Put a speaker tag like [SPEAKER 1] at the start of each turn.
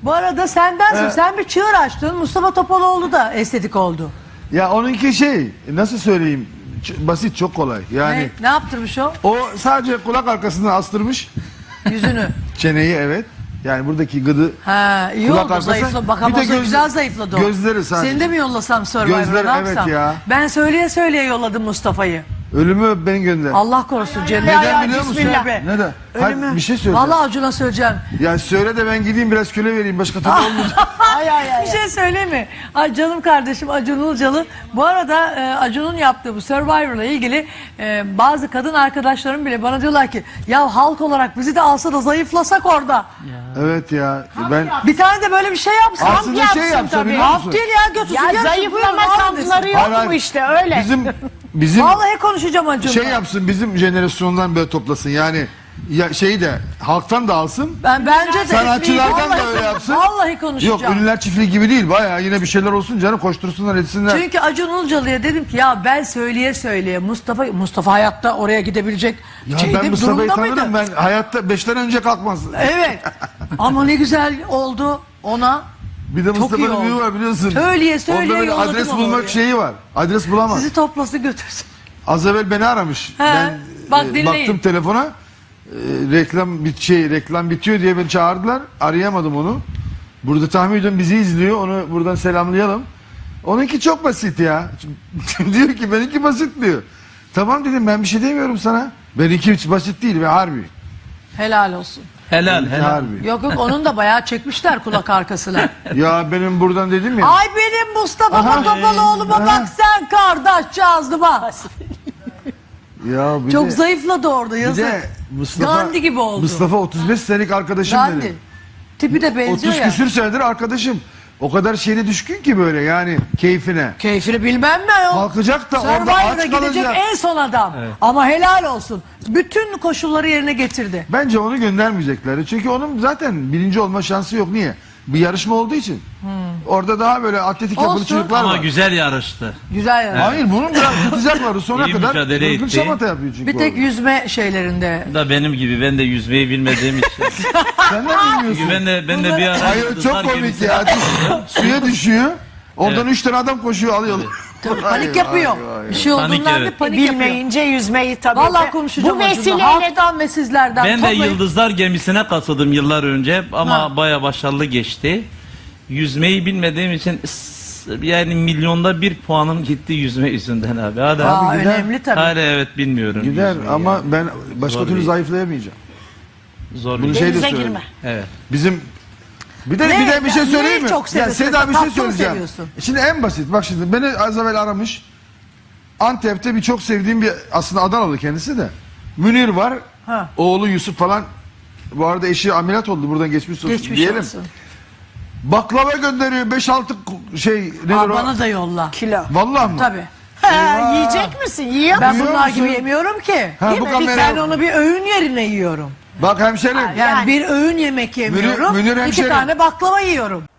[SPEAKER 1] Bu arada sendensin. Sen bir çığır açtın. Mustafa Topaloğlu da estetik oldu.
[SPEAKER 2] Ya onunki şey nasıl söyleyeyim basit çok kolay. Yani
[SPEAKER 1] Ne yaptırmış o?
[SPEAKER 2] o sadece kulak arkasından astırmış
[SPEAKER 1] Yüzünü.
[SPEAKER 2] çeneyi evet. Yani buradaki gıdı
[SPEAKER 1] Ha, iyi
[SPEAKER 2] kulak
[SPEAKER 1] oldu
[SPEAKER 2] arkası.
[SPEAKER 1] zayıfla. Bak
[SPEAKER 2] Bir
[SPEAKER 1] ama
[SPEAKER 2] de
[SPEAKER 1] güzel zayıfladı o.
[SPEAKER 2] gözleri sadece.
[SPEAKER 1] Seni de mi yollasam Survivor'a,
[SPEAKER 2] Gözleri,
[SPEAKER 1] ne
[SPEAKER 2] evet
[SPEAKER 1] yapsam?
[SPEAKER 2] ya.
[SPEAKER 1] Ben söyleye söyleye yolladım Mustafa'yı.
[SPEAKER 2] ölümü öp beni gönder.
[SPEAKER 1] Allah korusun cennet.
[SPEAKER 2] Neden biliyor musun?
[SPEAKER 1] Bismillah be.
[SPEAKER 2] Neden? Hayır,
[SPEAKER 1] Ölümü.
[SPEAKER 2] bir şey söyleyeceğim.
[SPEAKER 1] Vallahi Acun'a söyleyeceğim.
[SPEAKER 2] Ya söyle de ben gideyim biraz köle vereyim başka türlü olmayacak.
[SPEAKER 1] Bir şey söyleyeyim mi? Ay canım kardeşim Acun Ilıcalı. Bu arada Acun'un yaptığı bu Survivor'la ilgili bazı kadın arkadaşlarım bile bana diyorlar ki ya halk olarak bizi de alsa da zayıflasak orada.
[SPEAKER 2] Evet ya ben
[SPEAKER 1] Bir tane de böyle bir şey yapsın.
[SPEAKER 2] aslında şey yapsa biliyor musun?
[SPEAKER 1] Kamp değil ya götürsün.
[SPEAKER 3] Ya
[SPEAKER 1] yarışın,
[SPEAKER 3] zayıflama
[SPEAKER 1] buyurun, alın
[SPEAKER 3] kampları
[SPEAKER 1] desin.
[SPEAKER 3] yok
[SPEAKER 2] Hayır, hayır.
[SPEAKER 3] mu işte öyle.
[SPEAKER 2] Bizim
[SPEAKER 1] Vallahi konuşacağım Acun'la.
[SPEAKER 2] şey yapsın bizim jenerasyondan böyle toplasın yani ya şeyi de halktan da alsın.
[SPEAKER 1] Bence de.
[SPEAKER 2] Sanatçılardan da
[SPEAKER 1] Vallahi-
[SPEAKER 2] öyle yapsın.
[SPEAKER 1] Vallahi
[SPEAKER 2] Yok
[SPEAKER 1] konuşacağım.
[SPEAKER 2] ünlüler çiftliği gibi değil bayağı yine bir şeyler olsun canım koştursunlar etsinler.
[SPEAKER 1] Çünkü Acun Ilıcalı'ya dedim ki ya ben söyleye söyleye Mustafa hayatta oraya gidebilecek
[SPEAKER 2] Ya
[SPEAKER 1] şeyde,
[SPEAKER 2] ben Mustafa'yı
[SPEAKER 1] durumda
[SPEAKER 2] tanırım
[SPEAKER 1] mıydı?
[SPEAKER 2] ben hayatta 5'ten önce kalkmaz.
[SPEAKER 1] Evet. Ama ne güzel oldu ona.
[SPEAKER 2] Bir de
[SPEAKER 1] Çok iyi
[SPEAKER 2] Mustafa'nın
[SPEAKER 1] oldu.
[SPEAKER 2] büyüğü var biliyorsun.
[SPEAKER 1] Söyleye söyleye
[SPEAKER 2] Onda böyle
[SPEAKER 1] yolladım
[SPEAKER 2] adres
[SPEAKER 1] onu
[SPEAKER 2] bulmak
[SPEAKER 1] oraya.
[SPEAKER 2] şeyi var. Adres bulamaz.
[SPEAKER 1] Sizi toplasın götürsün.
[SPEAKER 2] Az evvel beni aramış. Ben
[SPEAKER 1] bak dinleyin.
[SPEAKER 2] baktım telefona. Reklam bitiyor diye beni çağırdılar. Arayamadım onu. Burada tahmin ediyorum bizi izliyor. Onu buradan selamlayalım. Onunki çok basit ya. Diyor ki benimki basit diyor. Tamam dedim ben bir şey demiyorum sana. Benimki hiç basit değil ve harbi.
[SPEAKER 1] Helal olsun.
[SPEAKER 4] Helal
[SPEAKER 2] Benimki
[SPEAKER 4] helal.
[SPEAKER 2] harbi.
[SPEAKER 1] Yok onun da bayağı çekmişler kulak arkasına.
[SPEAKER 2] Ya benim buradan dedim ya.
[SPEAKER 1] Ay benim Mustafa Topaloğlu'ma bak sen kardeşcağızlıma.
[SPEAKER 2] Ya bir
[SPEAKER 1] Çok
[SPEAKER 2] de,
[SPEAKER 1] zayıfladı orada
[SPEAKER 2] bir
[SPEAKER 1] yazık.
[SPEAKER 2] de Mustafa,
[SPEAKER 1] Gandhi gibi oldu.
[SPEAKER 2] Mustafa 35 senelik arkadaşım
[SPEAKER 1] Gandhi.
[SPEAKER 2] benim.
[SPEAKER 1] Tipi de benziyor
[SPEAKER 2] 30
[SPEAKER 1] ya.
[SPEAKER 2] küsür senedir arkadaşım. O kadar şeyine düşkün ki böyle yani keyfine.
[SPEAKER 1] Keyfini bilmem mi o?
[SPEAKER 2] Kalkacak da orada
[SPEAKER 1] Survivor'a
[SPEAKER 2] aç
[SPEAKER 1] gidecek
[SPEAKER 2] kalacak.
[SPEAKER 1] en son adam. Ama helal olsun. Bütün koşulları yerine getirdi.
[SPEAKER 2] Bence onu göndermeyecekler. Çünkü onun zaten birinci olma şansı yok. Niye? Bir yarışma olduğu için. Orada daha böyle atletik yapılı
[SPEAKER 1] Olsun.
[SPEAKER 2] çocuklar
[SPEAKER 4] Ama
[SPEAKER 2] var.
[SPEAKER 4] güzel yarıştı.
[SPEAKER 1] Güzel yani.
[SPEAKER 2] Hayır bunun biraz tutacaklar. Sonuna
[SPEAKER 4] İyi
[SPEAKER 2] kadar
[SPEAKER 4] mücadele
[SPEAKER 2] hırgür
[SPEAKER 4] etti.
[SPEAKER 2] şamata yapıyor çünkü.
[SPEAKER 1] Bir tek
[SPEAKER 2] orada.
[SPEAKER 1] yüzme şeylerinde.
[SPEAKER 4] Bu da benim gibi ben de yüzmeyi bilmediğim için.
[SPEAKER 2] Sen de bilmiyorsun.
[SPEAKER 4] Çünkü ben de bir ara
[SPEAKER 2] Hayır
[SPEAKER 4] yıldızlar
[SPEAKER 2] çok komik
[SPEAKER 4] gemisine
[SPEAKER 2] ya.
[SPEAKER 4] katıldım.
[SPEAKER 2] Suya düşüyor. Oradan
[SPEAKER 4] Evet.
[SPEAKER 2] 3 tane adam koşuyor alıyorlar.
[SPEAKER 1] Tabii panik yapıyor. Bir şey
[SPEAKER 4] Panik,
[SPEAKER 1] olduğundan
[SPEAKER 4] evet.
[SPEAKER 1] bir panik yapıyor.
[SPEAKER 3] Bilmeyince yüzmeyi tabii.
[SPEAKER 1] Vallahi
[SPEAKER 3] de.
[SPEAKER 1] konuşacağım
[SPEAKER 3] Bu
[SPEAKER 1] Acun'la.
[SPEAKER 3] vesileyle
[SPEAKER 1] Halktan ve sizlerden.
[SPEAKER 4] Ben de
[SPEAKER 1] toplayın.
[SPEAKER 4] yıldızlar gemisine katıldım yıllar önce ama
[SPEAKER 1] Ha.
[SPEAKER 4] baya başarılı geçti. Yüzmeyi bilmediğim için yani milyonda bir puanım gitti yüzme yüzünden abi. Hadi
[SPEAKER 1] Aa,
[SPEAKER 4] abi.
[SPEAKER 2] gider.
[SPEAKER 1] önemli tabii.
[SPEAKER 4] Hala evet bilmiyorum.
[SPEAKER 2] Gider
[SPEAKER 4] yüzmeyi
[SPEAKER 2] ama
[SPEAKER 4] yani.
[SPEAKER 2] ben başka
[SPEAKER 4] Zor
[SPEAKER 2] türlü
[SPEAKER 4] bir-
[SPEAKER 2] zayıflayamayacağım.
[SPEAKER 4] Zor
[SPEAKER 2] Bunu
[SPEAKER 4] bir
[SPEAKER 2] şey de
[SPEAKER 3] denize
[SPEAKER 2] söyleyeyim.
[SPEAKER 3] girme.
[SPEAKER 4] Evet.
[SPEAKER 2] Bizim bir de
[SPEAKER 1] Ne?
[SPEAKER 2] bir şey
[SPEAKER 1] Neyi
[SPEAKER 2] söyleyeyim mi?
[SPEAKER 1] çok
[SPEAKER 2] Ya
[SPEAKER 1] seviyorsun?
[SPEAKER 2] Seda bir
[SPEAKER 1] Tatlı
[SPEAKER 2] şey
[SPEAKER 1] mı
[SPEAKER 2] söyleyeceğim.
[SPEAKER 1] seviyorsun?
[SPEAKER 2] Şimdi en basit bak şimdi beni az evvel aramış. Antep'te bir çok sevdiğim bir aslında Adanalı kendisi de. Münir var.
[SPEAKER 1] Ha.
[SPEAKER 2] Oğlu Yusuf falan. Bu arada eşi ameliyat oldu buradan geçmiş olsun
[SPEAKER 1] Geçmiş
[SPEAKER 2] diyelim.
[SPEAKER 1] olsun.
[SPEAKER 2] Baklava gönderiyor 5-6 şey nedir
[SPEAKER 1] Aa,
[SPEAKER 2] o?
[SPEAKER 1] bana da yolla.
[SPEAKER 3] Kilo.
[SPEAKER 2] Vallahi mı?
[SPEAKER 1] Tabii.
[SPEAKER 3] Ha, yiyecek misin? Yiyor
[SPEAKER 1] Ben
[SPEAKER 3] musun?
[SPEAKER 1] bunlar
[SPEAKER 2] musun?
[SPEAKER 1] gibi yemiyorum ki.
[SPEAKER 2] Ha,
[SPEAKER 1] Değil
[SPEAKER 2] bu
[SPEAKER 1] mi?
[SPEAKER 2] kamera-
[SPEAKER 1] Ben onu bir öğün yerine yiyorum.
[SPEAKER 2] Bak hemşerim.
[SPEAKER 1] Yani,
[SPEAKER 3] Yani.
[SPEAKER 1] bir öğün yemek yemiyorum.
[SPEAKER 2] Münir
[SPEAKER 1] İki
[SPEAKER 2] hemşerim.
[SPEAKER 1] tane baklava yiyorum.